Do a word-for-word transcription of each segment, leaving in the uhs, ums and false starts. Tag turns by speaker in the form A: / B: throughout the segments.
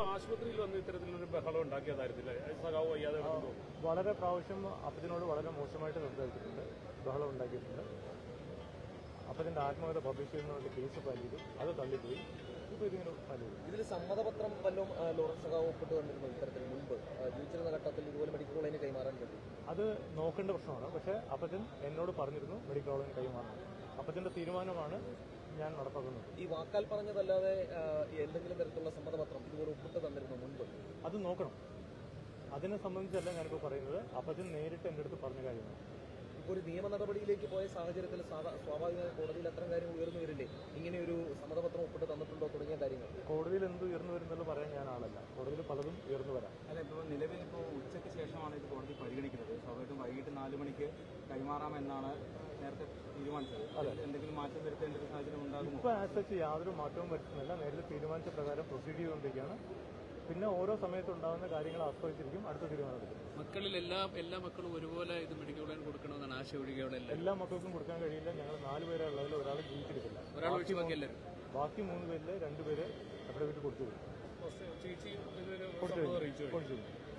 A: ആശുപത്രിയിൽ വന്ന് ഇത്തരത്തിലൊരു ബഹളം ഉണ്ടാക്കിയതായിരുന്നില്ല സഖാവ് വയ്യാതെ
B: വളരെ പ്രാവശ്യം അപ്പച്ചനോട് വളരെ മോശമായിട്ട് സംസാരിച്ചിട്ടുണ്ട്, ബഹളം ഉണ്ടാക്കിയിട്ടുണ്ട്. അപ്പച്ചന്റെ ആത്മകഥ പബ്ലിഷ് ചെയ്യുന്ന വേണ്ടി കേസ് ഫയൽ ചെയ്തു, അത് തള്ളിപ്പോയി. ഇപ്പോൾ ഇതിങ്ങനെ ഫയൽ ചെയ്തു.
C: ഇതിൽ സമ്മതപത്രം വല്ലതും ലോറൻസ് സഖാവ് ഒപ്പിട്ട് വന്നിരുന്നു ഇത്തരത്തിൽ മുൻപ് ജീവിച്ചിരുന്ന ഘട്ടത്തിൽ ഇതുപോലെ മെഡിക്കൽ കോളേജിന് കൈമാറാൻ പറ്റും?
B: അത് നോക്കേണ്ട പ്രശ്നമാണ്. പക്ഷേ അപ്പച്ചൻ എന്നോട് പറഞ്ഞിരുന്നു മെഡിക്കൽ കോളേജിന് കൈമാറണം. അപ്പച്ചന്റെ തീരുമാനമാണ് ഞാൻ നടപ്പാക്കുന്നത്.
C: ഈ വാക്കാൽ പറഞ്ഞതല്ലാതെ എന്തെങ്കിലും തരത്തിലുള്ള സമ്മതപത്രം ഇതുപോലെ ഒപ്പിട്ട് തന്നിരുന്നു മുൻപ്?
B: അത് നോക്കണം. അതിനെ സംബന്ധിച്ചല്ല ഞാനിപ്പോൾ പറയുന്നത്. അപ്പച്ചൻ നേരിട്ട് എൻ്റെ അടുത്ത് പറഞ്ഞ കാര്യമാണ്.
C: ഇപ്പോൾ ഒരു നിയമ നടപടിയിലേക്ക് പോയ സാഹചര്യത്തിൽ സ്വാഭാവികമായി കോടതിയിൽ അത്തരം കാര്യങ്ങൾ ഉയർന്നു വരില്ലേ? ഇങ്ങനെ ഒരു സമ്മതപത്രം ഒപ്പിട്ട് തന്നിട്ടുണ്ടോ തുടങ്ങിയ കാര്യങ്ങൾ
B: കോടതിയിൽ എന്ത് ഉയർന്നു വരുന്നല്ലോ പറയാൻ ഞാൻ ആളല്ല. കോടതിയിൽ പലതും ഉയർന്നു വരാം.
D: അല്ല, ഇപ്പോൾ നിലവിൽ ഇപ്പോൾ ഉച്ചയ്ക്ക് ശേഷമാണ് ഇത് കോടതി പരിഗണിക്കുന്നത്. സ്വാഭാവികമായിട്ടും വൈകിട്ട് നാല് മണിക്ക് കൈമാറാമെന്നാണ് നേരത്തെ തീരുമാനിച്ചത്. എന്തെങ്കിലും മാറ്റം വരുത്തേണ്ട ഒരു സാഹചര്യം ഉണ്ടാകും?
B: ഇപ്പോൾ ആസച്ച് യാതൊരു മാറ്റവും വരുത്തുന്നില്ല. നേരത്തെ തീരുമാനിച്ച പ്രകാരം പ്രൊസീഡ് ചെയ്തുകൊണ്ടിരിക്കുകയാണ്. പിന്നെ ഓരോ സമയത്തുണ്ടാകുന്ന കാര്യങ്ങൾ ആസ്വദിച്ചിരിക്കും അടുത്ത തീരുമാനമെടുക്കും.
E: മക്കളിൽ എല്ലാ എല്ലാ മക്കളും ഒരുപോലെ ഇത് മെഡിക്കൽ കോളേജിൽ കൊടുക്കണമെന്നാണ് ആശ ഒഴികെയുള്ള
B: എല്ലാ മക്കൾക്കും കൊടുക്കാൻ കഴിയില്ല. ഞങ്ങൾ നാല് പേരെ ഉള്ളതിൽ ഒരാൾ ജീവിച്ചിരിക്കില്ല.
E: ഒരാൾ ഒഴിച്ച് ബാക്കി എല്ലാവരും
B: ബാക്കി മൂന്ന് പേരിൽ രണ്ടുപേര് അവിടെ വീട്ടിൽ കൊടുത്തു കൊടുത്തു.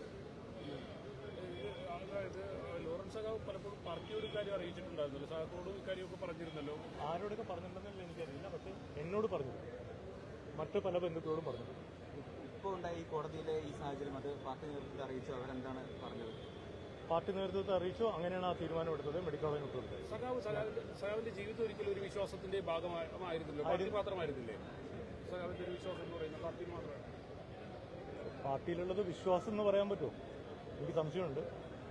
A: അതായത് ലോറൻസ് സഖാവ് പലപ്പോഴും പാർട്ടിയോട് കാര്യം അറിയിച്ചിട്ടുണ്ടായിരുന്നല്ലോ, സഖാക്കളോട് ഇക്കാര്യമൊക്കെ പറഞ്ഞിരുന്നല്ലോ.
B: ആരോടൊക്കെ പറഞ്ഞിട്ടുണ്ടെന്നല്ല എനിക്കറിയില്ല. പക്ഷേ എന്നോട് പറഞ്ഞു, മറ്റു പല ബന്ധുക്കളോടും പറഞ്ഞു.
D: ഇപ്പോൾ ഉണ്ടായ ഈ കോടതിയിലെ ഈ സാഹചര്യം അത് പാർട്ടി നേതൃത്വത്തെ അറിയിച്ചു, അവരെന്താണ് പറഞ്ഞത്?
B: പാർട്ടി നേതൃത്വത്തെ അറിയിച്ചു. അങ്ങനെയാണ് ആ തീരുമാനം എടുത്തത്. മെഡിക്കൽ കോളേജിൽ വിട്ടുകൊടുത്തത്.
A: സഖാവ് സഖാവിന്റെ ജീവിതം ഒരിക്കലും ഒരു വിശ്വാസത്തിന്റെ ഭാഗമായിരുന്നില്ല, പാർട്ടി മാത്രമായിരുന്നില്ലേ? സഖാവിന്റെ ഒരു വിശ്വാസം എന്ന് പറയുന്നത് പാർട്ടി മാത്രമാണ്.
B: പാർട്ടിയിലുള്ളത് വിശ്വാസം എന്ന് പറയാൻ പറ്റുമോ? എനിക്ക് സംശയമുണ്ട്.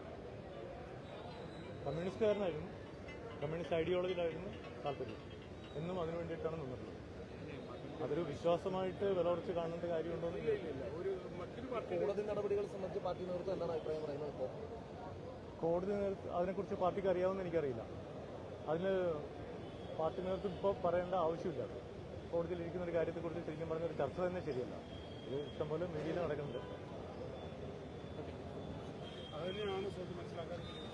B: കമ്മ്യൂണിസ്റ്റുകാരനായിരുന്നു, കമ്മ്യൂണിസ്റ്റ് ഐഡിയോളജിയിലായിരുന്നു താല്പര്യം. എന്നും അതിനു വേണ്ടിയിട്ടാണ് നിന്നിട്ടുള്ളത്. അതൊരു വിശ്വാസമായിട്ട് വിലവർച്ച് കാണേണ്ട കാര്യമുണ്ടോ എന്ന്
C: കോടതി നടപടികൾ സംബന്ധിച്ച് പാർട്ടി നേതൃത്വം എന്താണ് അഭിപ്രായം പറയുന്നത്? ഇപ്പോൾ
B: കോടതി നേതൃത്വം അതിനെക്കുറിച്ച് പാർട്ടിക്ക് അറിയാവുന്ന എനിക്കറിയില്ല. അതിന് പാർട്ടി നേതൃത്വം ഇപ്പോൾ പറയേണ്ട ആവശ്യമില്ല. കോടതിയിൽ ഇരിക്കുന്ന ഒരു കാര്യത്തെക്കുറിച്ച് ശരിക്കും പറഞ്ഞ ഒരു ചർച്ച തന്നെ ശരിയല്ല. ഇത് ഇഷ്ടംപോലെ മീഡിയയിൽ നടക്കുന്നുണ്ട്.
A: അത് തന്നെയാണ് മനസ്സിലാക്കാൻ